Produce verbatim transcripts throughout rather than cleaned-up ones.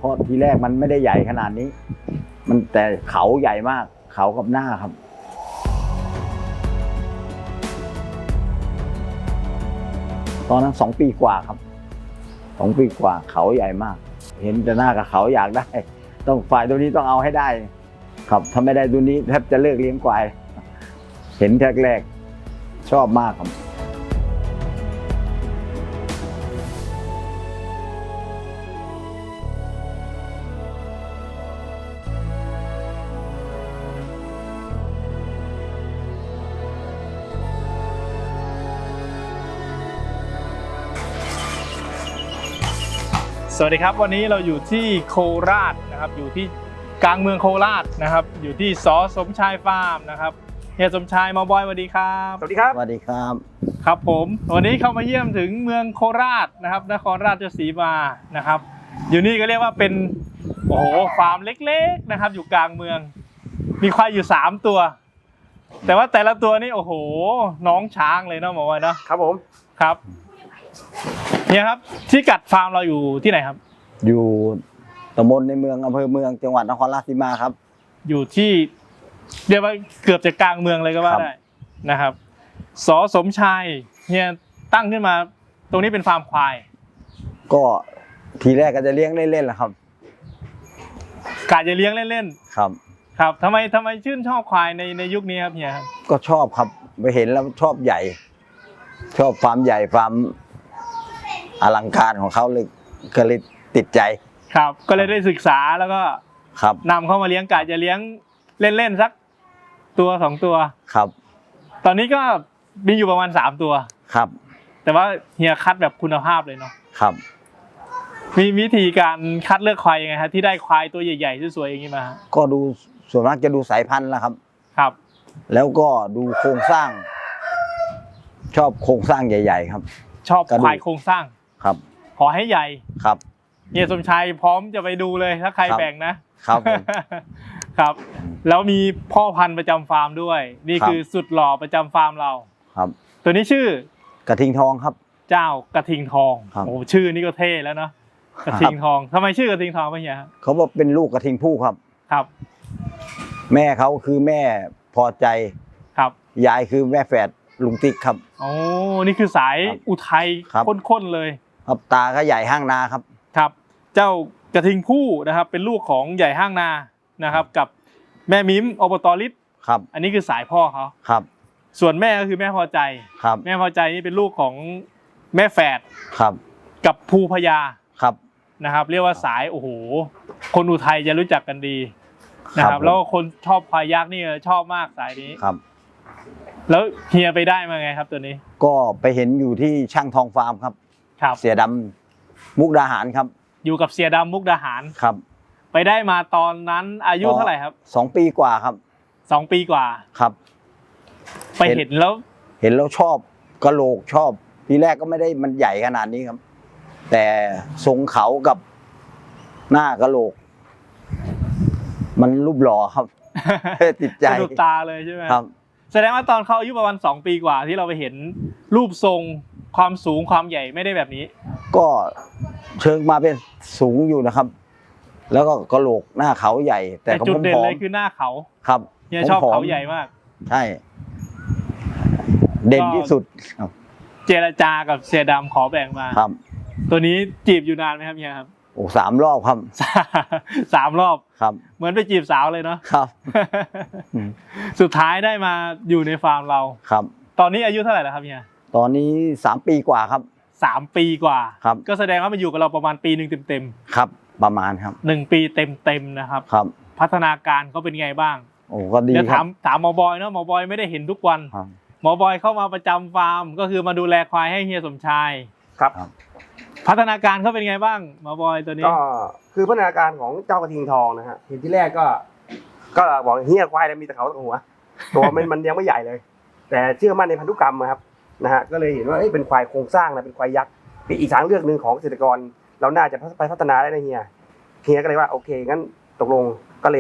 ราะทีแรกมันไม่ได้ใหญ่ขนาดนี้มันแต่เขาใหญ่มากเขากับหน้าครับตอนนั้นสองปีกว่าครับสองปีกว่าเขาใหญ่มากเห็นแต่หน้ากับเขาอยากได้ต้องฝ่ายตัวนี้ต้องเอาให้ได้ครับถ้าไม่ได้ตัวนี้แทบจะเลิกเลี้ยงควายเห็นแรกๆชอบมากครับสวัสดีครับวันนี้เราอยู่ที่โคราชนะครับอยู่ที่กลางเมืองโคราชนะครับอยู่ที่ส.สมชายฟาร์มนะครับเฮียสมชายมาบอยสวัสดีครับสวัสดีครับสวัสดีครับครับผมวันนี้เข้ามาเยี่ยมถึงเมืองโคราชนะครับนครราชสีมานะครับอยู่นี่ก็เรียกว่าเป็นโอ้โหฟาร์มเล็กๆนะครับอยู่กลางเมืองมีควายอยู่สามตัวแต่ว่าแต่ละตัวนี่โอ้โหน้องช้างเลยเนาะหมอวอยเนาะครับผมครับเนี่ยครับที่กัดฟาร์มเราอยู่ที่ไหนครับอยู่ตำบลในเมืองอำเภอเมืองจังหวัดนครราชสีมาครับอยู่ที่เรียกว่าเกือบจะกลางเมืองเลยก็ว่าได้นะครับส.สมชายเนี่ยตั้งขึ้นมาตรงนี้เป็นฟาร์มควายก็ทีแรกก็จะเลี้ยงเล่นๆแหละครับกะจะเลี้ยงเล่นๆครับครับทำไมทำไมชื่นชอบควายในในยุคนี้ครับเนี่ยครับก็ชอบครับไปเห็นแล้วชอบใหญ่ชอบฟาร์มใหญ่ฟาร์มอลังการของเขาเลยก็เลยติดใจครับก็เลยได้ศึกษาแล้วก็ครับนำเข้ามาเลี้ยงกะจะเลี้ยงเล่นๆสักตัวสองตัวครับตอนนี้ก็มีอยู่ประมาณสามตัวครับแต่ว่าเฮียคัดแบบคุณภาพเลยเนาะครับมีวิธีการคัดเลือกควายยังไงฮะที่ได้ควายตัวใหญ่ๆสวยๆอย่างนี้มาก็ดูส่วนมากจะดูสายพันธุ์แล้วครับครับแล้วก็ดูโครงสร้างชอบโครงสร้างใหญ่ๆครับชอบควายโครงสร้างครับขอให้ใหญ่ครับเฮียสมชายพร้อมจะไปดูเลยถ้าใครแบ่งนะครับ ครับแล้วมีพ่อพันธุ์ประจำฟาร์มด้วยนี่คือสุดหล่อประจำฟาร์มเราครับตัวนี้ชื่อกระทิงทองครับเจ้ากระทิงทองโอ้ชื่อนี่ก็เท่แล้วเนาะกระทิงทองทำไมชื่อกระทิงทองพี่เฮียเขาบอกเป็นลูกกระทิงผู้ครับครับแม่เขาคือแม่พอใจครับยายคือแม่แฝดลุงติ๊กครับโอ้นี่คือสายอุทัยข้นๆเลยครับตาก็ใหญ่ห้างนาครับครับเจ้ากระทิงผู้นะครับเป็นลูกของใหญ่ห้างนานะครับกับแม่มิมอบตลิศครับอันนี้คือสายพ่อเขาครับส่วนแม่ก็คือแม่พอใจครับแม่พอใจนี่เป็นลูกของแม่แฝดครับกับภูพญาครับนะครับเรียกว่าสายโอ้โหคนอุทัยจะรู้จักกันดีนะครับแล้วคนชอบควายยักษ์นี่ชอบมากสายนี้ครับแล้วเฮียไปได้มาไงครับตัวนี้ก็ไปเห็นอยู่ที่ช่างทองฟาร์มครับครับเสียดำมุกดาหารครับอยู่กับเสียดำมุกดาหารครับไปได้มาตอนนั้นอายุเท่าไหร่ครับสองปีกว่าครับสองปีกว่าครับไปเห็นแล้วเห็นแล้วชอบกะโหลกชอบทีแรกก็ไม่ได้มันใหญ่ขนาดนี้ครับแต่ทรงเขากับหน้ากะโหลกมันรูปหล่อครับติดใจสะดุดตาเลยใช่ไหมครับแสดงว่าตอนเขาอายุประมาณสองปีกว่าที่เราไปเห็นรูปทรงความสูงความใหญ่ไม่ได้แบบนี้ก็เชิงมาเป็นสูงอยู่นะครับแล้วก็กะโหลกหน้าเขาใหญ่แต่จุดเด่นเลยคือหน้าเขาครับเฮียชอบเขาใหญ่มากใช่เด่นที่สุดเจรจากับเสียดำขอแบ่งมาครับตัวนี้จีบอยู่นานไหมครับเฮียครับโอ้สามรอบครับสามรอบครับเหมือนไปจีบสาวเลยเนาะครับสุดท้ายได้มาอยู่ในฟาร์มเราครับตอนนี้อายุเท่าไหร่แล้วครับเฮียตอนนี้สามปีกว่าครับสามปีกว่าครับก็แสดงว่ามันอยู่กับเราประมาณปีหนึ่งเต็มๆครับประมาณครับหนึ่งปีเต็มๆนะครับครับพัฒนาการเขาเป็นไงบ้างโอ้ก็ดีครับถามถามหมอบอยเนาะหมอบอยไม่ได้เห็นทุกวันหมอบอยเข้ามาประจำฟาร์มก็คือมาดูแลควายให้เฮียสมชายครับพัฒนาการเขาเป็นไงบ้างหมอบอยตัวนี้ก็คือพัฒนาการของเจ้ากระทิงทองนะฮะเห็นที่แรกก็ก็บอกเฮียควายมีแต่เขาตัวหัวตัวมันมันยังไม่ใหญ่เลยแต่เชื่อมั่นในพันธุกรรมครับนะฮะก็เลยเห็นว่าเป็นควายโครงสร้างนะเป็นควายยักษ์เป็นอีกทางเลือกหนึ่งของเกษตรกรเราน่าจะไปพัฒนาได้นะเฮียเฮียก็เลยว่าโอเคงั้นตกลงก็เลย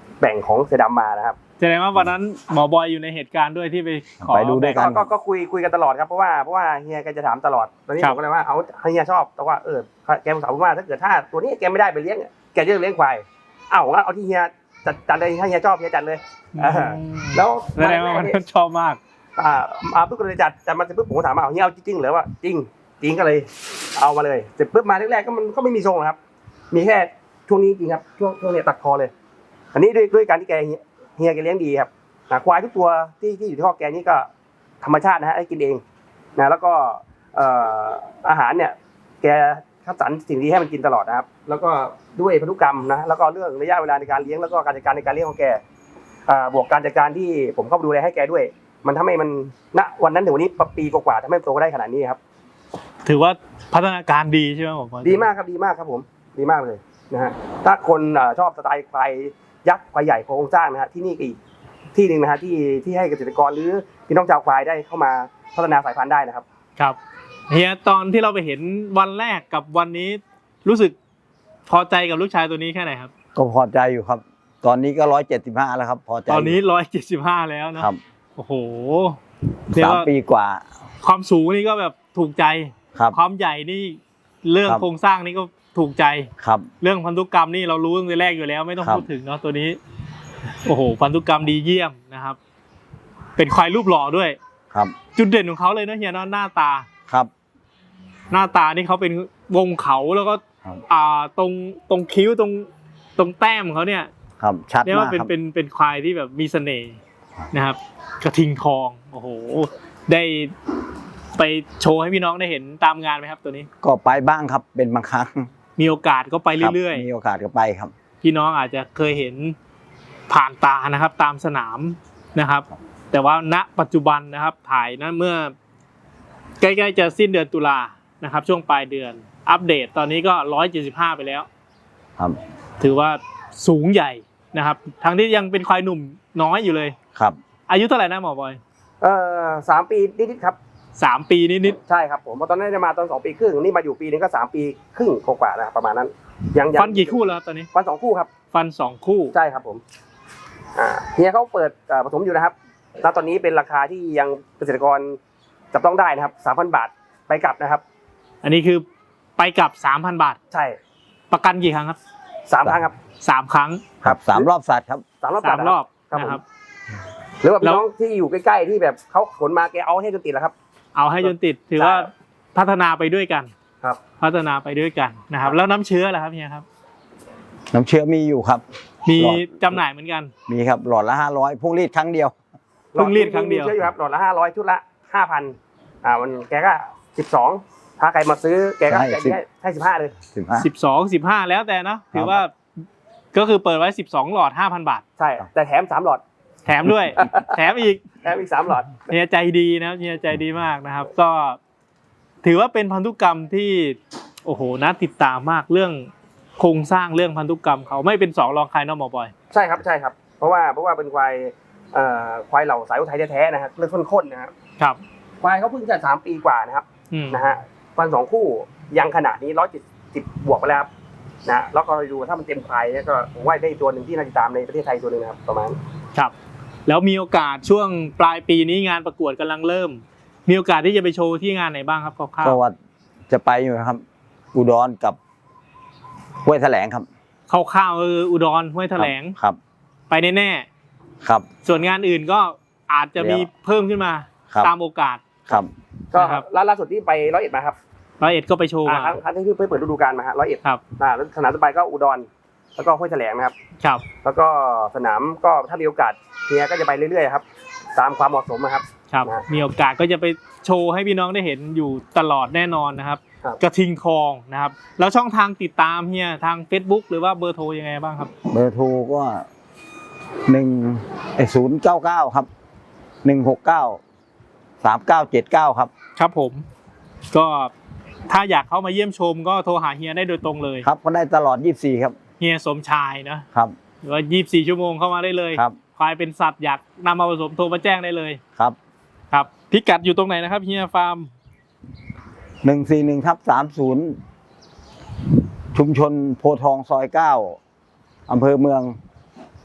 แบ่งของเสือดำมานะครับแสดงว่าวันนั้นหมอบอยอยู่ในเหตุการณ์ด้วยที่ไปขอไปดูด้วยกัก็นก็ก็คุยคุยกันตลอดครับเพราะว่าเพราะว่าเฮียแกจะถามตลอดตอนนี้ครัผบมก็เลยว่าเอาเฮียชอบแต่ว่าเออแกบอกถามว่าถ้าเกิดถ้าตัวนี้แกไม่ได้ไปเลี้ยงแกจะเลี้ยงควายเอ้างั้นเอาที่เฮียจัดจัดเลยถ้าเฮียชอบเฮียจัดเลย อ่า แล้วแสดงว่ามันชอบมากอ่าอาปุ๊บก็เลยจัดจัดมาเสร็จปุ๊บผมก็ถามว่าเอาเฮียเอาจริงๆเหรือว่าจริงจริงก็เลยเอามาเลยเสร็จปุ๊บมาแรกๆก็มันก็ไม่มีทรงหรอกครับ มีแค่ช่วงนี้จริงครับช่วงช่วงเนี้ยตัดคอเลย อันนี้ด้วยด้วยการที่แกเฮียเฮียแกเลี้ยงดีครับนะควายทุกตัวที่ที่อยู่ที่คอกแกนี่ก็ธรรมชาตินะฮะให้กินเองนะแล้วก็เอ่ออาหารเนี่ยแกคัดสรรสิ่งดีให้มันกินตลอดนะครับ แล้วก็ด้วยพันธุกรรมนะแล้วก็เรื่องระยะเวลาในการเลี้ยงแล้วก็การจัดการในการเลี้ยงของแกอ่าบวกการจัดการที่ผมเข้าไปดูแลให้แกด้วย มันทำให้มันณวันนั้นถึงวันนี้ปีกว่าๆทำให้มันโตได้ขนาดนี้ครับถือว่าพัฒนาการดีใช่ไหมหมอบอยดีมากครับดีมากครับผมดีมากเลยนะฮะถ้าคนเอ่อชอบสไตล์ควายยักษ์ควายใหญ่โครงสร้างนะฮะที่นี่ก็อีกที่หนึ่งนะฮะที่ที่ให้เกษตรกรหรือพี่น้องชาวควายได้เข้ามาพัฒนาสายพันธุ์ได้นะครับครับเฮียตอนที่เราไปเห็นวันแรกกับวันนี้รู้สึกพอใจกับลูกชายตัวนี้แค่ไหนครับก็พอใจอยู่ครับ ตอนนี้ก็ร้อยเจ็ดสิบห้าแล้วครับ พอใจตอนนี้ร้อยเจ็ดสิบห้าแล้วเนอะครับโอ้โหเรียกสามว่าปีกว่าความสูงนี่ก็แบบถูกใจครับความใหญ่นี่เรื่องครับโครงสร้างนี่ก็ถูกใจครับเรื่องพันธุกรรมนี่เรารู้ตั้งแต่แรกอยู่แล้วไม่ต้องครับพูดถึงเนาะตัวนี้ โอ้โหพันธุกรรมดีเยี่ยมนะครับ เป็นควายรูปหล่อด้วยครับจุดเด่นของเขาเลยเนอะเฮียเนอะหน้าตาครับหน้าตานี่เขาเป็นวงเขาแล้วก็ครับอ่าตรงตรงคิ้วตรงตรงแต้มของเขาเนี่ยครับชัดเรียกมาว่าก เป็นครับเป็นเป็นควายที่แบบมีเสน่ห์ครับนะครับ กระทิงทองโอ้โห ได้ไปโชว์ให้พี่น้องได้เห็นตามงานไหมครับ ตัวนี้ก็ไปบ้างครับ เป็นบางครั้งมีโอกาสก็ไปเรื่อยคบมีโอกาสก็ไปครับๆ พี่น้องอาจจะเคยเห็นผ่านตานะครับ ตามสนามนะครับ แต่ว่าณปัจจุบันนะครับถ่ายนะเมื่อ ใกล้ๆจะสิ้นเดือนตุลานะครับ ช่วงปลายเดือน อัปเดตตอนนี้ก็ร้อยเจ็ดสิบห้าไปแล้วครับถือว่าสูงใหญ่นะครับ ทั้งที่ยังเป็นควายหนุ่มน้อยอยู่เลยครับอายุเท่าไหร่นะหมอบอยเอ่อสามปีนิดๆครับสามปีนิดใช่ครับผมเพราะตอนนั้นได้มาตอนสองปีครึ่งนี่มาอยู่ปีนึงก็สามปีครึ่งกว่าๆนะครับประมาณนั้น ยังๆยังฟันกี่คู่แล้วครับตอนนี้ฟันสองคู่ครับฟันสองคู่ใช่ครับผมอ่าเฮียเขาเปิดเอ่อผสมอยู่นะครับณตอนนี้เป็นราคาที่ยังเกษตรกรจับต้องได้นะครับสามพันบาทไปกลับนะครับอันนี้คือไปกลับสามพันบาทใช่ประกันกี่ครั้งครับสามครั้งครับสามครั้งครับสามรอบสัตว์ครับสามรอบสามรอบครับนะผมครับหรือว่าแล้พี่วน้องที่อยู่ใกล้ๆที่แบบเขาขนมาแกเอาให้จนติดแล้วครับเอาให้จนติดถือว่าพัฒนาไปด้วยกันครับพัฒนาไปด้วยกันนะครับ แล้วน้ำเชื้อล่ะครับเฮียครับน้ำเชื้อมีอยู่ครับมีหลอดจำหน่ายเหมือนกันมีครับหลอดละห้าร้อยพุ่งรีดครั้งเดียวเพิ่งรีดครั้งเดียวมีเชื่ออยู่ครับหลอดละห้าร้อยชุดละห้าพันอ่ามันแกก็สิบสองถ้าใครมาซื้อแกก็ให้แกสิบให้ให้สิบห้าเลยสิบห้าสิบสองสิบห้าแล้วแต่เนอะถือว่าก็คือเปิดไว้สิบสองหลอดห้าพันบาทใช่แต่แถมสามหลอดแถมด้วย แถมอีกแถมอีกสามหลอดเฮียใจดีนะครับเฮียใจดีมากนะครับ ก็ถือว่าเป็นพันธุกรรมที่โอ้โหน่าติดตามมากเรื่องโครงสร้างเรื่องพันธุกรรมเขาไม่เป็นสองรองใครเนอะหมอบอยใช่ครับใช่ครับ เพราะว่าเพราะว่าเป็นควายเอ่อควายเหล่าสายอุทัยแท้ๆนะครับเลือดข้นๆนะครับครับควายเขาเพิ่งจะสามปีกว่านะครับอืมนะฮะฟันสองคู่ยังขนาดนี้ร้อยเจ็ดสิบบวกไปแล้วครับนะแล้วก็ดูถ้ามันเต็มควายเนี่ยก็ผมว่าได้ตัวหนึ่งที่น่าติดตามในประเทศไทยตัวหนึ่งนะครับประมาณครับ แล้วมีโอกาสช่วงปลายปีนี้งานประกวดกำลังเริ่ม มีโอกาสที่จะไปโชว์ที่งานไหนบ้างครับคร่าวก็ว่าจะไปอยู่นะครับ อุดรกับห้วยแถลงครับๆคร่าวๆคืออุดรห้วยแถลงครับไปแน่ครับๆส่วนงานอื่นก็อาจจะมีเพิ่มขึ้นมาครับตามโอกาสครับก็นะครับล่าสุดที่ไปร้อยเอ็ดมาครับร้อยเอ็ดก็ไปโชว์อ่ามาครั้งครั้งที่เพิ่งเปิดฤดูกาลมาฮะร้อยเอ็ดครับอ่าแล้วสนามต่อไปก็อุดรแล้วก็ห้วยแถลงนะครับครับแล้วก็สนามก็ถ้ามีโอกาสเฮียก็จะไปเรื่อยๆครับตามความเหมาะสมนะครับครับนะมีโอกาสก็จะไปโชว์ให้พี่น้องได้เห็นอยู่ตลอดแน่นอนนะครับครับกระทิงทองนะครับ แล้วช่องทางติดตามเฮียทาง Facebook หรือว่าเบอร์โทรยังไงบ้างครับเบอร์โทรก็หนึ่งศูนย์เก้าเก้าครับหนึ่งหกเก้าสามเก้าเจ็ดเก้าครับครับผม ก็ถ้าอยากเข้ามาเยี่ยมชมก็โทรหาเฮียได้โดยตรงเลยครับก็ได้ตลอดยี่สิบสี่ครับเฮียสมชายนะครับ หรือว่ายี่สิบสี่ชั่วโมงเข้ามาได้เลยครับควายเป็นสัตว์อยากนำมาผสมโทรมาแจ้งได้เลยครับครับพิกัดอยู่ตรงไหนนะครับเฮียฟาร์มหนึ่งสี่หนึ่งทับสามศูนย์ชุมชนโพธิ์ทองซอยเก้าอำเภอเมือง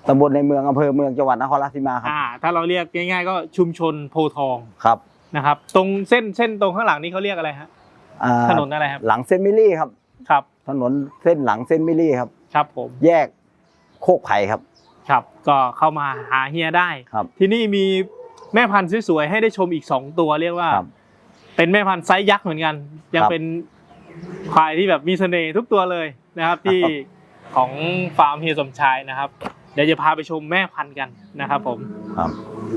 ตำบลในเมืองอำเภอเมืองจังหวัดนครราชสีมาครับอ่าถ้าเราเรียกง่ายๆก็ชุมชนโพธิ์ทองครับนะครับ ตรงเส้นเส้นตรงข้างหลังนี้เขาเรียกอะไรฮะอ่าถนนอะไรครับหลังเส้นมิลลี่ครับครับถนนเส้นหลังเส้นมิลลี่ครับครับผมแยกโคกไผ่ครับครับก็เข้ามาหาเฮียได้ครับที่นี่มีแม่พันธุ์สวยๆให้ได้ชมอีกสองตัวเรียกว่าครับเป็นแม่พันธุ์ไซส์ยักษ์เหมือนกัน ยังครับเป็นควายที่แบบมีเสน่ห์ทุกตัวเลยนะครับ ที่ของฟาร์มเฮียสมชายนะครับ เดี๋ยวจะพาไปชมแม่พันธุ์กันนะครับผมครับ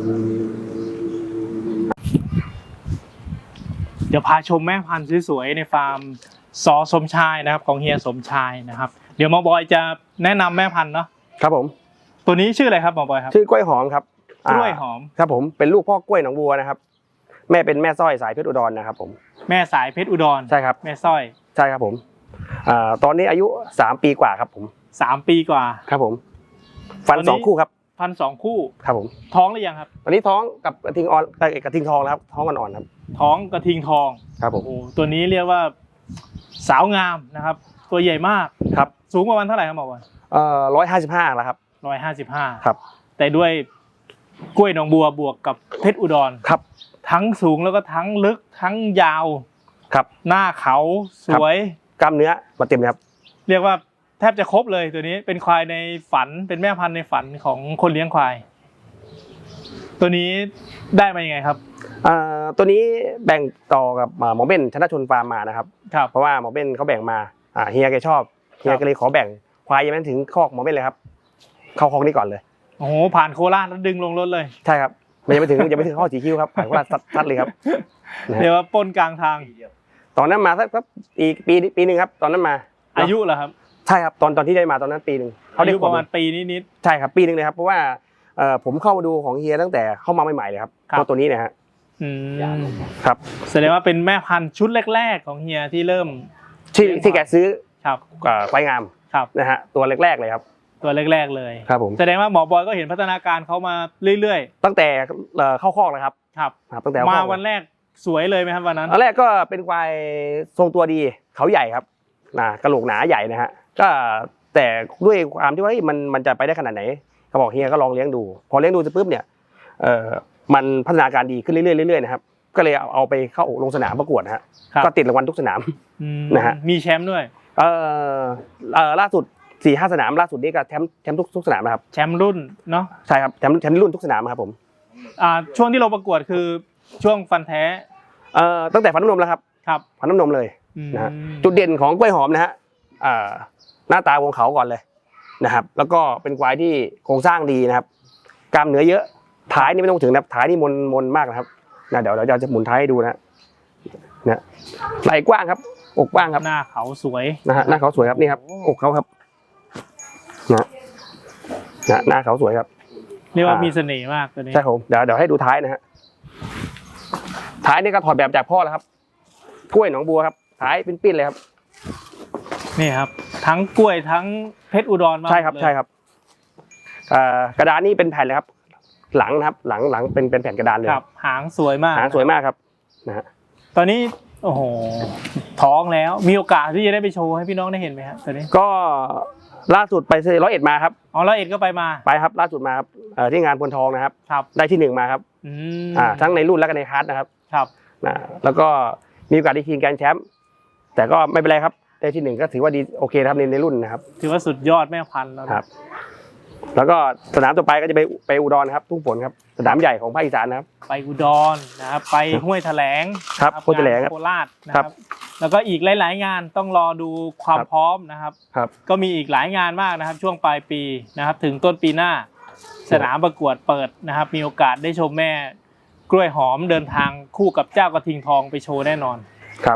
เดี๋ยวพาชมแม่พันธุ์สวยๆในฟาร์มสอสมชายนะครับ ของเฮียสมชายนะครับ เดี๋ยวหมอบอยจะแนะนำแม่พันธุ์เนาะครับผมตัวนี้ชื่ออะไรครับหมอบอยครับชื่อกล้วยหอมครับกล้วยหอมครับผมเป็นลูกพ่อกล้วยหนองบัวนะครับแม่เป็นแม่สร้อยสายเพชรอุดรนะครับผมแม่สายเพชรอุดรใช่ครับแม่สร้อยใช่ครับผมอ่าตอนนี้อายุสามปีกว่าครับผมสามปีกว่าครับผมฟันตอนนี้สองคู่ครับพันสองคู่ครับผมท้องหรือยังครับตอนนี้ท้องกับกระทิงออนเอ่อกระทิงทองแล้วครับท้องอ่อนๆครับท้องกระทิงทองครับผมโอ้โหตัวนี้เรียกว่าสาวงามนะครับ ตัวใหญ่มากครับสูงประมาณเท่าไหร่ครับหมอบอยเอ่อร้อยห้าสิบห้าแล้วครับร้อยห้าสิบห้าครับแต่ด้วยกล้วยหนองบัวบวกกับเพชรอุดรครับทั้งสูงแล้วก็ทั้งลึกทั้งยาวครับหน้าเขาสวยกล้ามเนื้อมาเต็มเลยครับเรียกว่าแทบจะครบเลยตัวนี้เป็นควายในฝันเป็นแม่พันธุ์ในฝันของคนเลี้ยงควาย ตัวนี้ได้มายังไงครับอ่าตัวนี้แบ่งต่อกับอ่าหมอเบ้นชนะชนฟาร์มมานะครับครับเพราะว่าหมอเบ้นเขาแบ่งมาอ่าเฮียแกชอบเฮียก็เลยขอแบ่งควายยังไม่ถึงคอกหมอเบ้นเลยครับ เข้าคอกนี้ก่อนเลยโอ้โหผ่านโคราชแล้วดึงลงรถเลยใช่ครับมันยังไม่ถึงยังไม่ถึงข้อสีคิ้วครับผ่านว่าซัดซัดเลยครับนะเรียฮะกว่าปล้นกลางทางตอนนั้นมาสักสักปีปีปีหนึ่งครับ ตอนนั้นมาอายุเหรอครับใช่ครับตอนตอนที่ได้มาตอนนั้นปีหนึ่งเขาอาได้ยุประมาณปีนิดใช่ครับปีหนึ่งเลยครับเพราะว่าเอ่อผมเข้ามาดูของเฮียตั้งแต่เข้ามาใหม่ๆเลยครับครับตัวตัวนี้เนะฮะๆอืมครับแสดงว่าเป็นแม่พันธุ์ชุดแรกๆของเฮียที่เริ่มที่ที่แกซื้อครับเอ่อควายงามครับนะฮะตัวแรกๆเลยครับตัวแรกๆเลยครับผมแสดงว่าหมอบอยก็เห็นพัฒนาการเขามาเรื่อยตั้งแต่เอ่อเข้าคอกเลยครับๆ ครับครับตั้งแต่เข้มาคอกวันแรกสวยเลยไหมครับวันนั้นตอนแรกก็เป็นควายทรงตัวดีเขาใหญ่ครับนะกระโหลกหนาใหญ่นะฮะก็แต่ด้วยความที่ว่าเฮ้ยมันมันจะไปได้ขนาดไหนเขาบอกเฮียก็ลองเลี้ยงดู พอเลี้ยงดูเสร็จปุ๊บเนี่ยเอ่อมันพัฒนาการดีขึ้นเรื่อยๆเรื่อยๆนะครับก็เลยเอาเอาไปเข้าลงสนามประกวดนะฮะครับก็ติดรางวัลทุกสนามอืมนะฮะมีแชมป์ด้วยเอ่อเอ่อล่าสุดสี่ห้าสนามล่าสุดนี้ก็แชมป์แชมป์ทุกทุกสนามนะครับแชมป์รุ่นเนาะใช่ครับแชมป์แชมป์รุ่นทุกสนามครับผมอ่าช่วงที่เราประกวดคือช่วงฟันแท้เอ่อตั้งแต่ฟันน้ำนมแล้วครับครับฟันน้ำนมเลยอืมนะฮะ จุดเด่นของกล้วยหอมนะฮะอ่าหน้าตาวงเขาก่อนเลยนะครับ แล้วก็เป็นควายที่โครงสร้างดีนะครับ กล้ามเนื้อเยอะท้ายนี่ไม่ต้องถึงนะครับท้ายนี่มนมนมากนะครับนะเดี๋ยวเดี๋ยวเราจะหมุนท้ายให้ดูนะนะไหล่กว้างครับอกกว้างครับหน้าเขาสวยนะฮะหน้าเขาสวยครับนี่ครับอกเขาครับนะนะหน้าเขาสวยครับเรียกว่าอ่ามีมีเสน่ห์มากตัวนี้ใช่ผมเดี๋ยวเดี๋ยวให้ดูท้ายนะฮะท้ายนี่ก็ถอดแบบจากพ่อแล้วครับกล้วยหนองบัวครับท้ายปิ้นๆเลยครับนี่ครับ ทั้งกล้วยทั้งเพชรอุดรมาใช่ครับเลยใช่ครับอ่ากระดานนี่เป็นแผ่นเลยครับ หลังนะครับ หลังหลังเป็นเป็นแผ่นกระดานเลยครับหางสวยมากหางสวยมากครับนะฮะตอนนี้โอ้โหท้องแล้วมีโอกาสที่จะได้ไปโชว์ให้พี่น้องได้เห็นไหมฮะตอนนี้ก็ล่าสุดไปร้อยเอ็ดมาครับอ๋อแล้วเอ็ดก็ไปมาไปครับ ล่าสุดมาครับเอ่อที่งานพลทองนะครับครับได้ที่หนึ่งมาครับอืมอ่าทั้งในรุ่นและก็ในคลาสนะครับครับนะแล้วก็มีโอกาสได้ชิงแกรนด์แชมป์แต่ก็ไม่เป็นไรครับได้ที่หนึ่งก็ถือว่าดีโอเคนะครับในในรุ่นนะครับถือว่าสุดยอดแม่พันธุ์แล้วนะครับแล้วก็สนามต่อไปก็จะไปไปอุดรครับทุ่งฝนครับสนามใหญ่ของภาคอีสานนะครับไปอุดรนะครับไปห้วยแถลงครับนะห้วยแถลงครับโคราชนะคครัรับ บแล้วก็อีกหลาย ๆ งานต้องรอดูความครับพร้อมนะครับครับก็มีอีกหลายงานมากนะครับ ช่วงปลายปีนะครับ ถึงต้นปีหน้า สนามประกวดเปิดนะครับ มีโอกาสได้ชมแม่กล้วยหอมเดินทางคู่กับเจ้ากระทิงทองไปโชว์แน่นอนครับ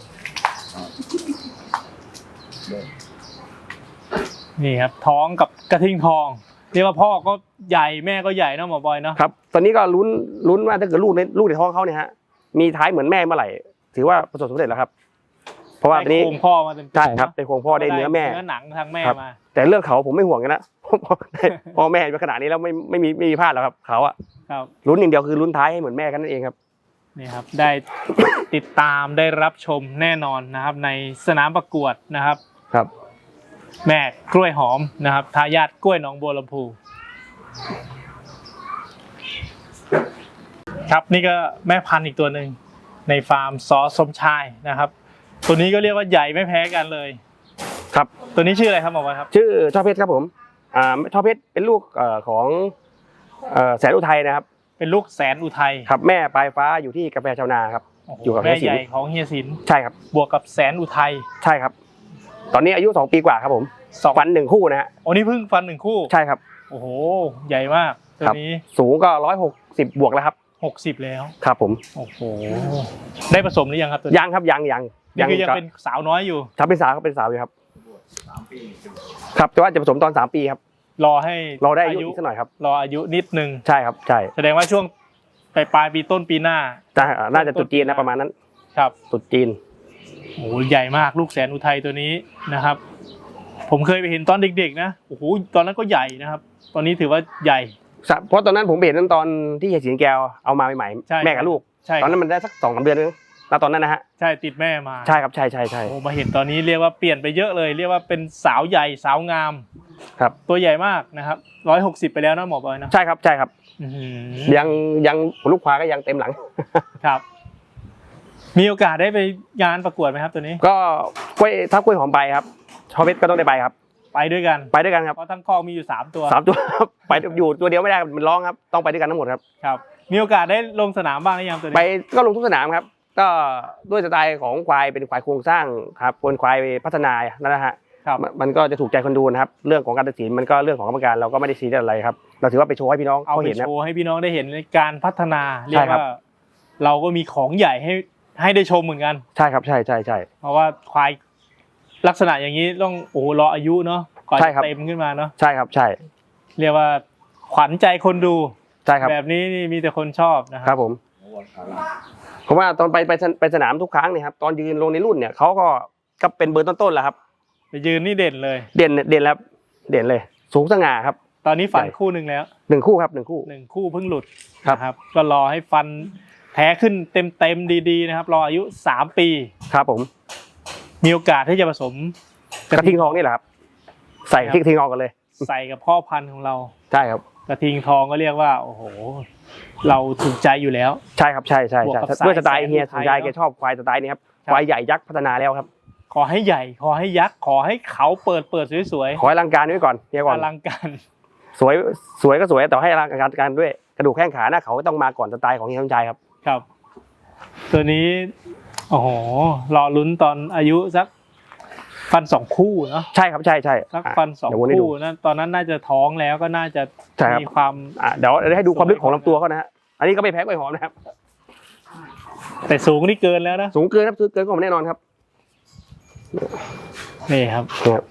นี่ครับท้องกับกระทิงทองเรียกว่าพ่อก็ใหญ่แม่ก็ใหญ่เนาะหมอบอยเนาะครับตอนนี้ก็ลุ้นลุ้นว่าถ้าเกิดลูกในลูกในท้องเขาเนี่ยฮะมีท้ายเหมือนแม่เมื่อไหร่ถือว่าประสบความสำเร็จแล้วครับ เพราะว่าตอนได้นี้โครงพ่อมาเต็มๆใช่ครับเนาะได้โครงพ่อได้เนื้อแม่เนื้อหนังทางแม่ครับมาแต่เรื่องเขาผมไม่ห่วงกันนะ พ่อแม่เป็นขนาดนี้แล้วไม่ไม่มีไม่มีพลาดแล้วครับเขาอะครับลุ้นอย่างเดียวคือลุ้นท้ายให้เหมือนแม่กันนั่นเองครับนี่ครับได้ติดตามได้รับชมแน่นอนนะครับ ในสนามประกวดนะครับครับแม่กล้วยหอมนะครับทายาทกล้วยหนองบัวลำพูครับนี่ก็แม่พันธุ์อีกตัวหนึ่งในฟาร์มซอสมชายนะครับตัวนี้ก็เรียกว่าใหญ่ไม่แพ้กันเลยครับตัวนี้ชื่ออะไรครับหมอวัดครับชื่อช่อเพชรครับผมอ่าช่อเพชรเป็นลูกเอ่อของเอ่อแสนอุทัยนะครับเป็นลูกแสนอุทัยครับแม่ปลายฟ้าอยู่ที่กาแฟชาวนาครับโโหอยู่กับแม่เฮียสินใหญ่ของเฮียสินใช่ครับบวกกับแสนอุทัยใช่ครับ ตอนนี้อายุสองปีกว่าครับผมสองฟันหนึ่งคู่นะฮะโอ้นี่เพิ่งฟันหนึ่งคู่ใช่ครับโอ้โหใหญ่มากตัวครับนี้สูงก็ร้อยหกสิบบวกแล้วครับหกสิบแล้วครับผมโอ้โหได้ผสมหรือยังครับตัวนี้ยังครับยังยังนี่คือยังเป็นสาวน้อยอยู่ถ้าเป็นสาวก็เป็นสาวอยู่ครับครับแต่ว่าจะผสมตอนสามปีครับรอให้รอได้อายุอีกสักหน่อยครับรออายุนิดนึงใช่ครับใช่แสดงว่าช่วงปลายปลายปีต้นปีหน้าจะน่าจะตรุษจีนนะประมาณนั้นครับตรุษจีนโอ้โหใหญ่มากลูกแสนอุทัยตัวนี้นะครับ ผมเคยไปเห็นตอนเด็กๆนะโอ้โหตอนนั้นก็ใหญ่นะครับ ตอนนี้ถือว่าใหญ่เพราะตอนนั้นผมเห็นนั้นตอนที่เฮียสิงแก้วเอามาใหม่ใช่ๆแม่กับลูกใช่ตอนนั้นมันได้สักสองสามเดือนนึงแล้วตอนนั้นนะฮะใช่ติดแม่มาใช่ครับใช่ใช่ใช่โอ้มาเห็นตอนนี้เรียกว่าเปลี่ยนไปเยอะเลย เรียกว่าเป็นสาวใหญ่สาวงามครับตัวใหญ่มากนะครับร้อยหกสิบไปแล้วนะหมอบอยนะใช่ครับใช่ครับอื้อหือยังยังลูกควายก็ยังเต็มหลังครับ มีโอกาสได้ไปงานประกวดไหมครับตัวนี้ก็กล้วยถ้ากล้วยหอมไปครับชอเพชรก็ต้องได้ไปครับไปด้วยกันไปด้วยกันครับเพราะทั้งคอกมีอยู่สามตัวสามตัว ไปอยู่ตัวเดียวไม่ได้มันร้องครับต้องไปด้วยกันทั้งหมดครับครับ มีโอกาสได้ลงสนามบ้างหรือยังตัวไปนี้ก็ลงทุกสนามครับ ก็ด้วยสไตล์ของควายเป็นควายโครงสร้างครับเป็นควายพัฒนานั่นนะฮะครับมันมันก็จะถูกใจคนดูนะครับ เรื่องของการตัดสินมันก็เรื่องของกรรมการเราก็ไม่ได้ซีเรียสอะไรครับ เราถือว่าไปโชว์ให้พี่น้องเอาเขาไปเห็นนะโชว์ให้พี่น้องได้เห็นในการพัฒนาเรียใช่กครับว่า เราก็มีของใหญ่ให้ให้ได้ชมเหมือนกันใช่ครับใช่ใช่ใช่เพราะว่าควายลักษณะอย่างนี้ต้องโอ้โหรออายุเนาะก่อนใช่จะครับเต็มขึ้นมาเนาะใช่ครับใช่เรียกว่าขวัญใจคนดูใช่ครับแบบนี้นี่มีแต่คนชอบนะคครัรับ บผมเพราะว่าตอนไปไปไปสนามทุกครั้งเนี่ยครับตอนยืนลงในรุ่นเนี่ยเขาก็ก็เป็นเบอร์ต้นๆแหละครับไปยืนนี่เด่นเลยเด่นเด่นแล้วเด่นเลย สูงสง่าครับตอนนี้ฟันใช่คู่หนึ่งแล้วหนึ่งคู่ครับหนึ่งคู่หนึ่งคู่เพิ่งหลุดครับนะครับ ก็รอให้ฟันแท้ขึ้นเต็มเต็มๆดีๆนะครับ รออายุสามปีครับผมมีโอกาสที่จะผสมกระทิงทองนี่แหละครับ ใส่กระทิงทองกันเลยใส่กับพ่อพันธุ์ของเราใช่ครับกระทิงทองก็เรียกว่าโอ้โห เราถูกใจอยู่แล้วใช่ครับใช่ใช่บวกใช่กับสายด้วยสไตล์เฮียแสนสนใจไทยเนอะแกชอบควายสไตล์นี้ครับครับควายใหญ่ยักษ์พัฒนาแล้วครับขอให้ใหญ่ ขอให้ยักษ์ขอให้เขาเปิดเปิดสวยขอให้อลังการไว้ก่อนเฮียๆก่ออน ลังการสวยสวยก็สวยแต่ให้อลังการด้วยกระดูกแข้งขาหน้าเขาก็ต้องมาก่อนสไตล์ของเฮียสมชายครับครับ ตัวนี้โอ้โหรอลุ้นตอนอายุสักฟันสองคู่เนาะใช่ครับใช่ใช่สักอ่ะฟันสองเดี๋ยววนให้ดูคู่นะตอนนั้นน่าจะท้องแล้วก็น่าจะใช่ครับมีความอ่ะเดี๋ยวให้ดูความลึกของลำตัวเขานะฮะอันนี้ก็ไม่แพ้กล้วยหอมนะครับแต่สูงนี่เกินแล้วนะสูงเกินครับสูงเกินก็ผมแน่นอนครับนี่ครับนะครับ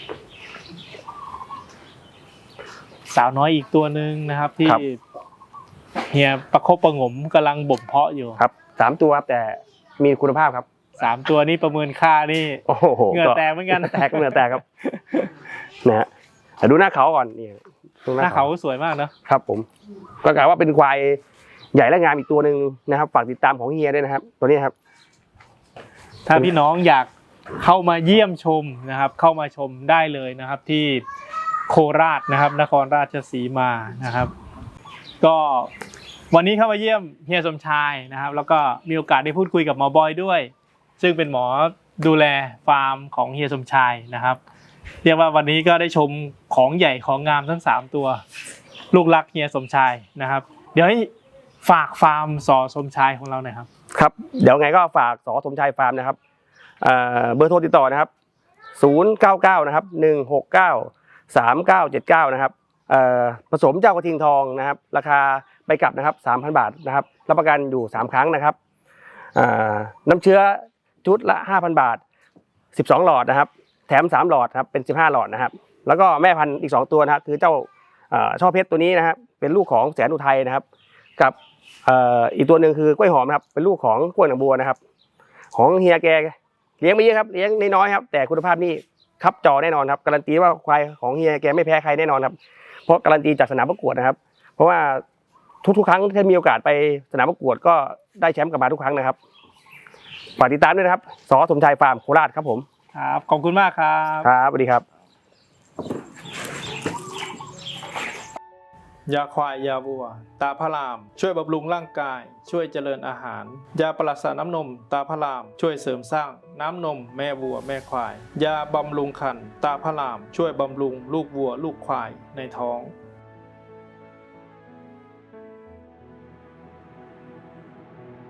สาวน้อยอีกตัวหนึ่งนะครับ ที่เฮียประคบประหงมกำลังบ่มเพาะอยู่ครับสามตัวครับแต่มีคุณภาพครับสามตัวนี้ประเมินค่านี่โอ้โหเหงื่อแตกเหมือนกันแตกเหงื่อแตกครับนะฮะแต่ดูหน้าเขาก่อนนี่ดูหน้าเขาสวยมากเนอะครับผมก็กล่าวว่าเป็นควายใหญ่และงามอีกตัวหนึ่งนะครับฝากติดตามของเฮียด้วยนะครับ ตัวนี้ครับถ้าพี่น้องอยากเข้ามาเยี่ยมชมนะครับ เข้ามาชมได้เลยนะครับ ที่โคราชนะครับ นครราชสีมานะครับ ก็วันนี้เข้ามาเยี่ยมเฮียสมชายนะครับ แล้วก็มีโอกาสได้พูดคุยกับหมอบอยด้วย ซึ่งเป็นหมอดูแลฟาร์มของเฮียสมชายนะครับ เรียกว่าวันนี้ก็ได้ชมของใหญ่ของงามทั้งสามตัว ลูกรักเฮียสมชายนะครับ เดี๋ยวให้ฝากฟาร์มสอสมชายของเราหน่อยครับครับเดี๋ยวไงก็ฝากสอสมชายฟาร์มนะครับเอ่อเบอร์โทรติดต่อนะครับศูนย์ เก้า เก้านะครับหนึ่ง หก เก้า สาม เก้า เจ็ด เก้านะครับเอ่อผสมเจ้ากระทิงทองนะครับราคาไปกลับนะครับ สามพัน บาทนะครับรับประกันอยู่สามครั้งนะครับเอ่อน้ำเชื้อชุดละ ห้าพัน บาทสิบสองหลอดนะครับแถมสามหลอดครับเป็นสิบห้าหลอดนะครับแล้วก็แม่พันธุ์อีกสองตัวนะครับคือเจ้าเอ่อช่อเพชรตัวนี้นะครับเป็นลูกของแสนอุทัยนะครับกับเอ่ออีกตัวหนึ่งคือกล้วยหอมนะครับเป็นลูกของกล้วยหนองบัวนะครับของเฮียแกเลี้ยงไม่เยอะครับเลี้ยงน้อยๆครับแต่คุณภาพนี่ครับจอแน่นอนครับการันตีว่าควายของเฮียแกไม่แพ้ใครแน่นอนครับเพราะการันตีจากสนามประกวดนะครับเพราะว่าทุกๆครั้งที่มีโอกาสไปสนามประกวดก็ได้แชมป์กลับมาทุกครั้งนะครับฝากติดตามด้วยนะครับสอสมชายฟาร์มโคราชครับผมครับขอบคุณมากครับครับสวัสดีครับยาควายยาวัวตาพระรามช่วยบำรุงร่างกายช่วยเจริญอาหารยาปราศน้ำนมตาพระรามช่วยเสริมสร้างน้ำนมแม่วัวแม่ควายยาบำรุงครรภ์ตาพระรามช่วยบำรุงลูกวัวลูกควายในท้อง